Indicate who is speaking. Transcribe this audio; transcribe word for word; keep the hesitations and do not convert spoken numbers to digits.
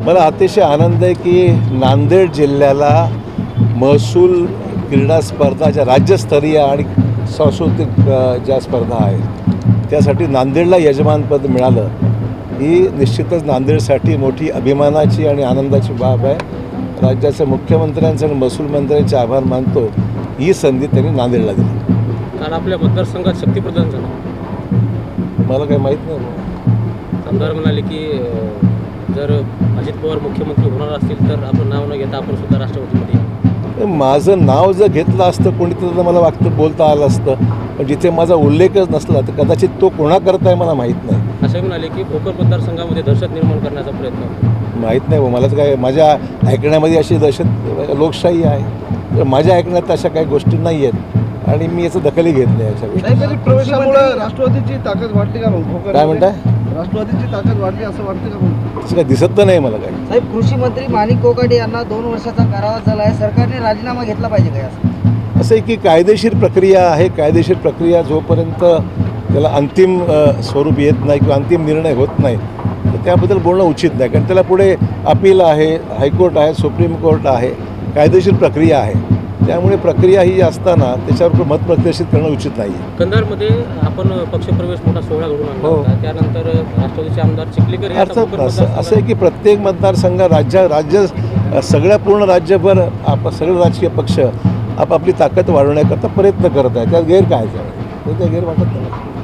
Speaker 1: मला अतिशय आनंद आहे की नांदेड जिल्ह्याला महसूल क्रीडा स्पर्धा ज्या राज्यस्तरीय आणि सांस्कृतिक अ, ज्या स्पर्धा आहेत त्यासाठी नांदेडला यजमानपद मिळालं ही निश्चितच नांदेडसाठी मोठी अभिमानाची आणि आनंदाची बाब आहे. राज्याच्या मुख्यमंत्र्यांचे आणि महसूल मंत्र्यांचे आभार मानतो. ही संधी त्यांनी नांदेडला दिली.
Speaker 2: काल आपल्या मतदारसंघात शक्तीप्रदान झालं.
Speaker 1: मला काही माहीत नाही.
Speaker 2: आमदार म्हणाले की अ, जर अजित पवार मुख्यमंत्री होणार असतील तर आपलं नाव न घेता आपण सुद्धा राष्ट्रवादीमध्ये या.
Speaker 1: माझं नाव जर घेतलं असतं कोणी तर मला वागतं बोलता आलं असतं, पण जिथे माझा उल्लेखच नसला तर कदाचित तो कोणाकरता आहे मला माहीत नाही.
Speaker 2: असंही म्हणाले की भोकर मतदारसंघामध्ये दहशत निर्माण करण्याचा प्रयत्न.
Speaker 1: माहीत नाही. मला तर काय माझ्या ऐकण्यामध्ये अशी दहशत लोकशाही आहे, तर माझ्या ऐकण्यात अशा काही गोष्टी नाही आहेत आणि मी याचं दखलही घेत नाही याच्या गोष्टी.
Speaker 3: प्रवेशामुळे राष्ट्रवादीची ताकद वाढली का मग?
Speaker 1: काय म्हणताय?
Speaker 3: राष्ट्रवादीची ताकद वाढली असं वाटतं का मग?
Speaker 1: असं काय दिसत तर नाही मला काय.
Speaker 4: साहेब, कृषी मंत्री माणिक कोकाटे यांना दोन वर्षाचा कारावास झाला आहे. सरकारने राजीनामा घेतला पाहिजे काय असं?
Speaker 1: असं आहे की कायदेशीर प्रक्रिया आहे. कायदेशीर प्रक्रिया जोपर्यंत त्याला अंतिम अ, स्वरूप येत नाही किंवा अंतिम निर्णय होत नाही तर त्याबद्दल बोलणं उचित नाही. कारण त्याला पुढे अपील आहे, हायकोर्ट आहे, सुप्रीम कोर्ट आहे, कायदेशीर प्रक्रिया आहे. त्यामुळे प्रक्रिया ही असताना त्याच्यावर मत प्रदर्शित करणं उचित नाही आहे.
Speaker 2: कंधारमध्ये आपण पक्षप्रवेश मोठा सोहळा घडून आणला
Speaker 1: हो.
Speaker 2: होता. त्यानंतर राष्ट्रवादीचे आमदार चिखलीकर हे आता
Speaker 1: अर्थात
Speaker 2: भोकर
Speaker 1: असं असं आहे
Speaker 2: मतदारसंघात-
Speaker 1: की प्रत्येक मतदारसंघ राज्य राज्य सगळ्या पूर्ण राज्यभर आप सगळे राजकीय पक्ष आपापली ताकद वाढवण्याकरता प्रयत्न करत आहे. त्यात गैर काय आहे? ते गैर वाटत नाही.